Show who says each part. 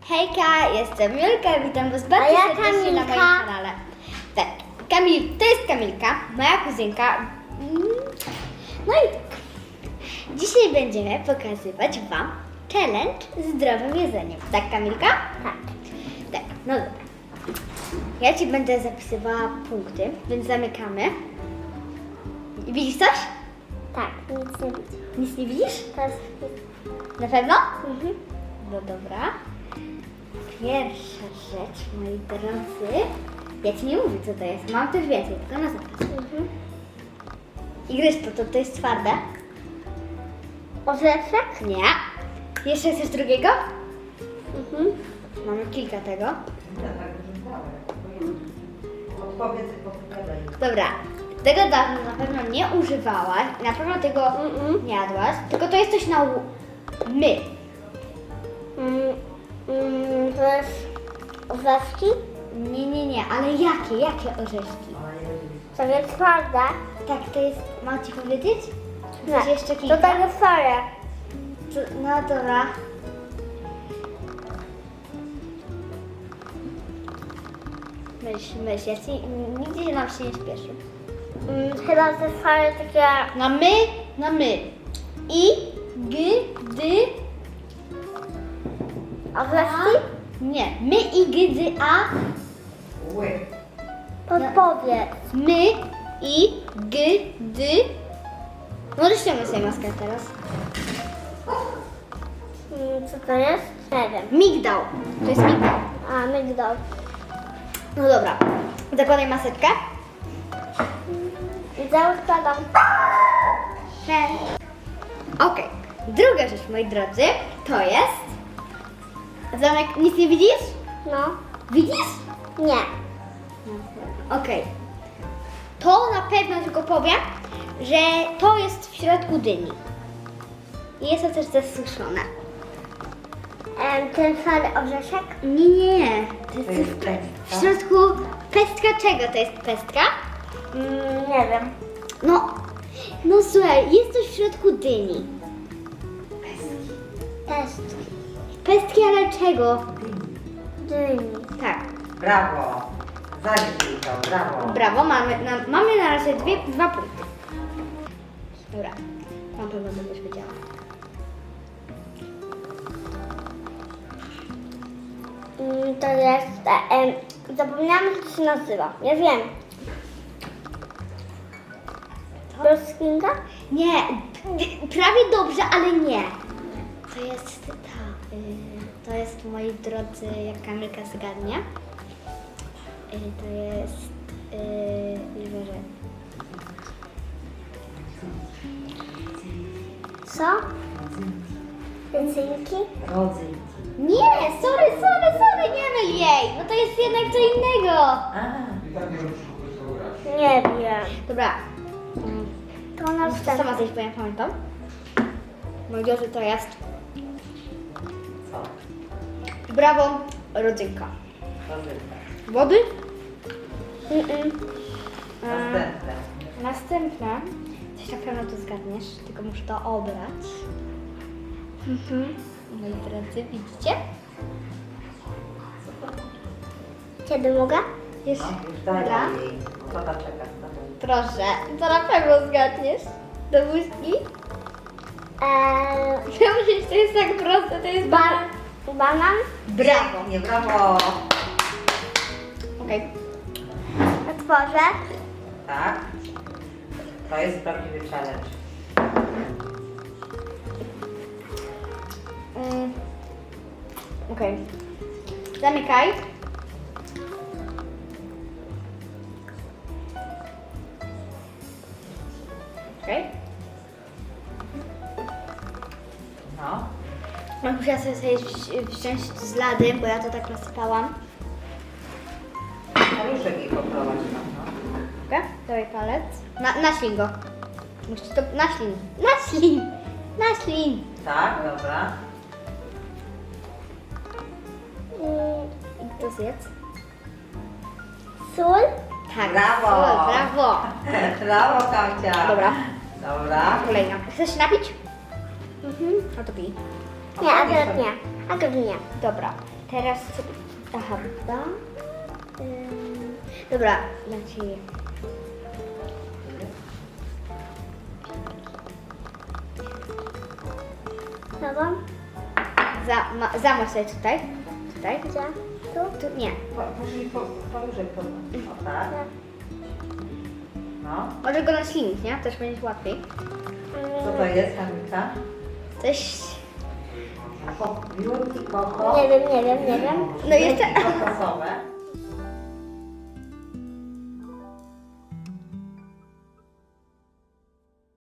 Speaker 1: Hejka, jestem Julka, witam Was bardzo serdecznie na moim kanale. Tak, to jest Kamilka, moja kuzynka. No i tak, dzisiaj będziemy pokazywać Wam challenge z zdrowym jedzeniem. Tak, Kamilka? Tak. Tak, no dobra. Ja Ci będę zapisywała punkty, więc zamykamy. Widzisz coś?
Speaker 2: Tak, nic nie widzę.
Speaker 1: Nic nie widzisz?
Speaker 2: To jest...
Speaker 1: Na pewno?
Speaker 2: Mhm.
Speaker 1: No dobra. Pierwsza rzecz, moi drodzy. Ja Ci nie mówię, co to jest. Mam też więcej, tylko na zapas.
Speaker 2: Mhm.
Speaker 1: I gryź to jest twarde?
Speaker 2: Orzeszek?
Speaker 1: Nie. Jeszcze coś drugiego?
Speaker 2: Mhm.
Speaker 1: Mamy kilka tego.
Speaker 3: Odpowiedz i powiadaj.
Speaker 1: Dobra. Tego dawno na pewno nie używałaś. Na pewno tego nie jadłaś. Tylko to jest coś na my.
Speaker 2: To jest orzeszki?
Speaker 1: Nie, ale jakie orzeszki?
Speaker 2: To jest twarde?
Speaker 1: Tak, to jest, mam Ci powiedzieć? Coś jeszcze
Speaker 2: To
Speaker 1: kilka?
Speaker 2: takie soje.
Speaker 1: No dobra. Myśl, ja ci, nigdzie nam się nie śpieszy.
Speaker 2: Chyba te soje takie...
Speaker 1: Na my. I, g, dy,
Speaker 2: Orzeszki?
Speaker 1: nie. My, i, g, dy, a.
Speaker 3: Ły.
Speaker 2: Podpowiedz.
Speaker 1: My, i, g, dy. Możesz ściągnąć sobie maskę teraz.
Speaker 2: Co to jest? Nie wiem.
Speaker 1: Migdał. To jest migdał.
Speaker 2: A, migdał.
Speaker 1: No dobra. Zakładaj maseczkę.
Speaker 2: I zakładam.
Speaker 1: Okej. Druga rzecz, moi drodzy, to jest... Zamek, nic nie widzisz?
Speaker 2: No.
Speaker 1: Widzisz?
Speaker 2: Nie.
Speaker 1: Okej. To na pewno tylko powiem, że to jest w środku dyni. I jest to też zasuszone.
Speaker 2: Ten szary orzeszek?
Speaker 1: Nie. To
Speaker 3: To
Speaker 1: jest
Speaker 3: jest
Speaker 1: w
Speaker 3: pestka.
Speaker 1: środku pestka czego to jest pestka?
Speaker 2: Nie wiem.
Speaker 1: No słuchaj, jest coś w środku dyni.
Speaker 2: Test.
Speaker 1: Pestki, ale czego?
Speaker 2: Dyni.
Speaker 1: Tak.
Speaker 3: Brawo. Zalicz to, brawo.
Speaker 1: Brawo, mamy na razie dwa punkty. Dobra, na pewno będziesz wiedziała.
Speaker 2: To jest... zapomniałam, jak to się nazywa. Ja wiem. Broskinka?
Speaker 1: Nie, prawie dobrze, ale nie. To jest to jest, moi drodzy, jak Kamilka zgadnie. To jest, już może.
Speaker 2: Co? Rycynki?
Speaker 3: Rodzynki.
Speaker 1: Nie, sorry, nie myl jej. No to jest jednak co innego.
Speaker 3: A,
Speaker 2: Nie wiem.
Speaker 1: Dobra,
Speaker 2: To następne.
Speaker 1: sama coś powiem, pamiętam. Moi drodzy, to jest
Speaker 3: co?
Speaker 1: brawo, rodzynka.
Speaker 3: Rodzynka.
Speaker 1: Wody?
Speaker 3: Następne.
Speaker 1: Następne. Coś na pewno tu zgadniesz, tylko muszę to obrać. Moi drodzy, widzicie?
Speaker 2: Kiedy mogę?
Speaker 1: Jest.
Speaker 3: No, już daj
Speaker 1: Dobra.
Speaker 3: jej. Co tam czekasz?
Speaker 1: Proszę, to na pewno zgadniesz. Do buźki. Ja myślę, że to jest tak proste, to jest
Speaker 2: Banan?
Speaker 1: Brawo.
Speaker 3: Nie, brawo.
Speaker 1: Okej.
Speaker 2: Otworzę.
Speaker 3: Tak. To jest prawdziwy challenge.
Speaker 1: Okej. Zamykaj. Okej.
Speaker 3: No.
Speaker 1: Musiała sobie wziąć z lady, bo ja to tak rozsypałam.
Speaker 3: Paluszek jej poprowadź tam, no.
Speaker 1: Okej, dawaj palec. Naślin go. Musisz to... Naślin.
Speaker 3: Tak, dobra.
Speaker 1: I kto zjedz?
Speaker 2: Sól?
Speaker 1: Tak.
Speaker 3: Brawo.
Speaker 1: Brawo.
Speaker 3: Brawo, Kamcia.
Speaker 1: Dobra.
Speaker 3: Dobra.
Speaker 1: Kolejna. Chcesz się napić? No to pij.
Speaker 2: Nie, akurat nie. Akurat nie.
Speaker 1: Dobra. Teraz... Aha, dobra. Dobra, znaczy...
Speaker 2: Dobra?
Speaker 1: Zamasz sobie tutaj. Tutaj.
Speaker 2: Gdzie?
Speaker 1: Tu nie.
Speaker 3: Powyżej podnoś. O tak. No.
Speaker 1: Może go na silnik, nie? Też będzie łatwiej.
Speaker 3: Co to jest, Kamilka?
Speaker 1: Coś...
Speaker 3: Biurki koko.
Speaker 2: Nie wiem.
Speaker 1: No jeszcze...
Speaker 3: Biurki kokosowe.